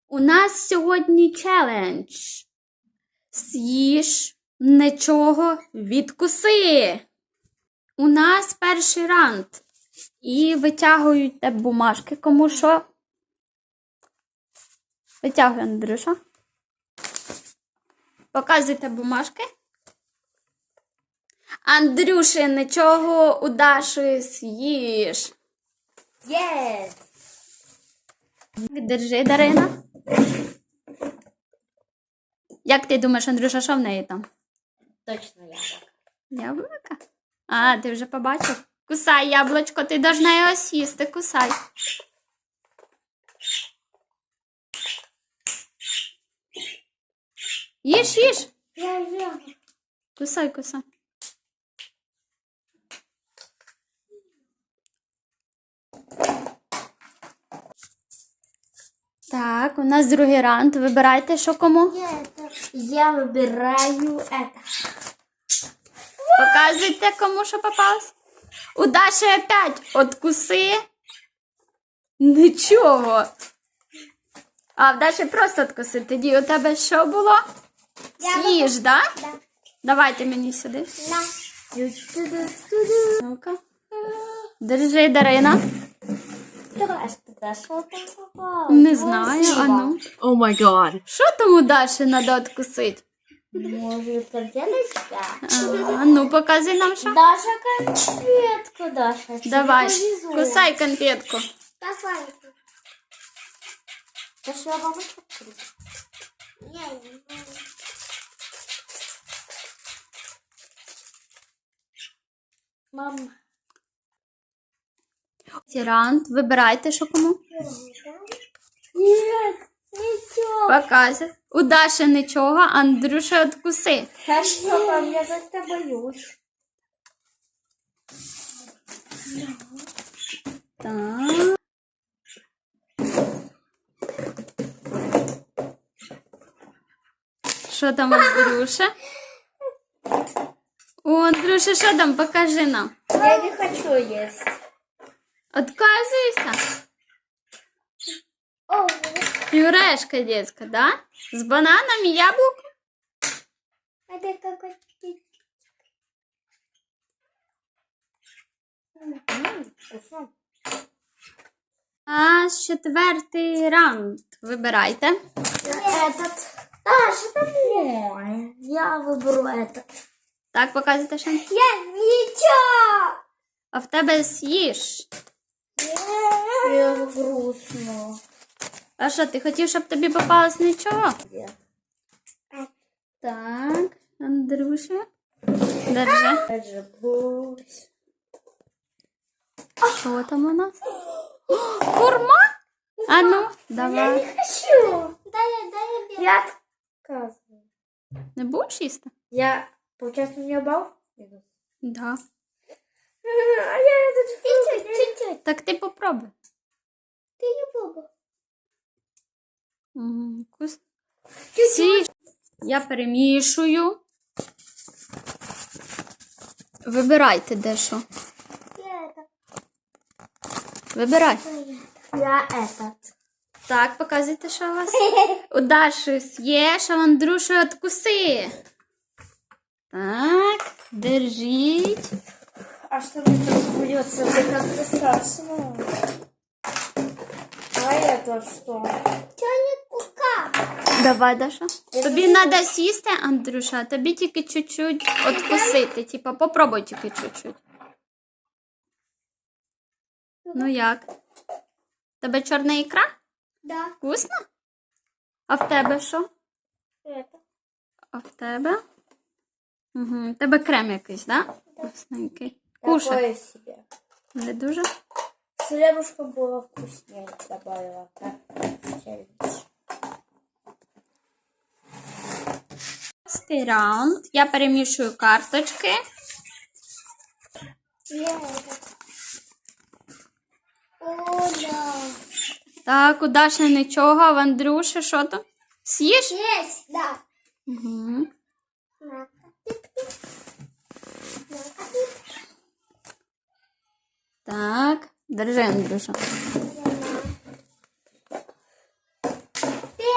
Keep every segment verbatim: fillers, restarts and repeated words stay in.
У нас сьогодні челендж. З'їж нічого, відкуси. У нас перший раунд. І витягують те бумажки, кому що. Витягуй, Андрюша. Показуйте бумажки. Андрюші, нічого у Даші з'їж. Yes. Держи, Дарина. Як ти думаєш, Андрюша, що в неї там? Точно яблоко. Яблука? А, ти вже побачив? Кусай яблучко, ти должна його сісти, кусай. Їж, їж. Я ем. Кусай, кусай. Так, у нас другий раунд. Вибирайте, що кому. Я выбираю это. Показуйте, кому що попалось. У Даші опять откуси. Нічого. А в Даші просто откуси. Тоді у тебе що було? З'їж, да? Да. Давайте мені сюди. На. Ну-ка. Держи, Дарина. Давай, что что там попало? Не знаю, а ну. Oh my god. Що там у Даші треба откусити? Может, конфеточка? А ну, показуй нам, що. Даша, конфетку, Даша. тебе Давай, повезло. кусай конфетку. Давай. Даша, я вам открою. Я не знаю. Мама. Раунд. Вибирайте, що кому. Нет, ничего. Показуй. У Даші нічого, Андрюша откуси. Хорошо, пап, я как-то боюсь. Так. Що там, Андрюша? О, Андрюша, що там? Покажи нам. Я не хочу есть. Отказуйся. О, Пюрешка детська, да? З бананом і яблуком? это какой-то... Вкусно. А четвертий раунд. Вибирайте. Этот. Даша, это мой. Я выберу этот. Так, показуйте ще. Я ничего. А в тебе з'їж. Я грустно. А що, ти хотів, щоб тобі попалось нічого? Я. Так, Андрюша. Держи. Даже грусть. Що там у нас? О, хурма? А ну, Я давай. не хочу. Дай я, дай я. Я отказываю. Не будеш їсти? Я, получается, у меня балл? Да. А я этот фрукт. Чуть-чуть. Так ти попробуй. Ты не попробуй. М, вкусно. Всі. Я перемішую. Вибирайте дещо. Я это. Вибирай. Я этот. Так, показуйте, що у вас. У Даші з'їж, а в Андрюші откуси. Так, держіть. А что мне тут придется? Это как-то страшно. А это что? Тёник-кука. Давай, Даша. Тобі треба сісти, Андрюша, а тобі тільки чуть-чуть откусити. Типа, попробуй тільки чуть-чуть. Ну як? Тебе чорна ікра? Да. Вкусно? А в тебе що? Это. А в тебе? Угу. В тебе крем якийсь, да? Вкусненький. Кушай. Такое себе. Не дуже? Хлебушка было вкуснее, добавила. Так, челлендж. Шостий раунд. Я перемішую карточки. Я это. О, да. Так, у Даші нічого, а в Андрюші що там? З'їш? Есть, да. Угу. Так, держи, Андрюша. Ты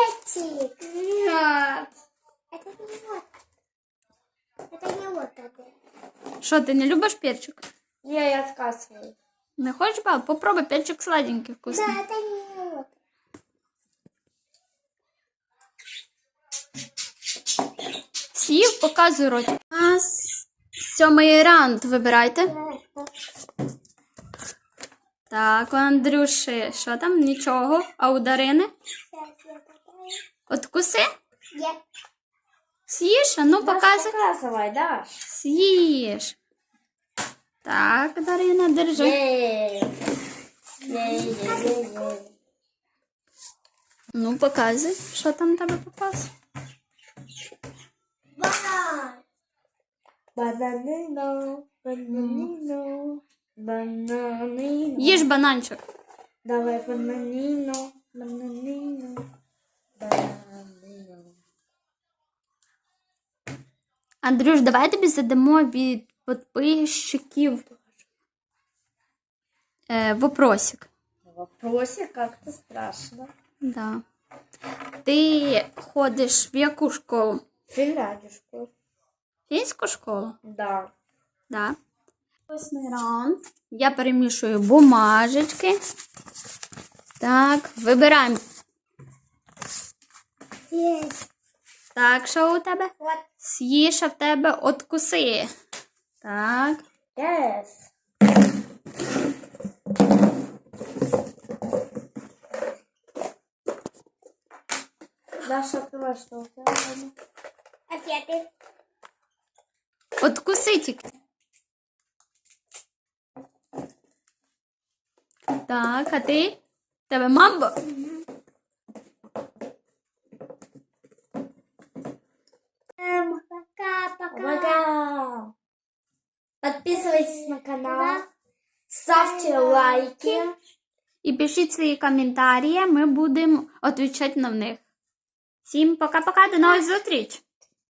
Що, ти не любиш перчик? Не, я отказываю. Не хочеш, баб? Попробуй, перчик сладенький, вкусний. Да, это не... Сів, показуй ротик. У нас сьомий раунд, вибирайте. Так, у Андрюші, що там? Нічого. А у Дарини? Откуси? Я... З'їш? А ну, показуй. Показывай, да. З'їш. Так, Дарина, держи. Ну, показуй, що там в тебе попалось. Бананино, бананино, бананино. Їж бананчик. Давай бананино, бананино, бананино. Андрюш, давай тобі задамо від підписчиків е, вопросик. Вопросик как-то страшно. Да. Ти ходиш в яку школу? Финляндишку. Фінську школу? Да. Да. Восьмий раунд. Я перемішую бумажечки. Так, вибираємо. Есть. Так, що у тебе? Вот. З'їж, а в тебе откуси. Так. Yes. Даша, открывай, что у тебя? Ответы. Откуси тільки. Так, а ти? В тебе мамбо? Пока-пока. Подписывайтесь на канал. Ставьте лайки. І пишіть свої коментарі, ми будемо відповідати на них. Всім пока-пока, до нових зустріч!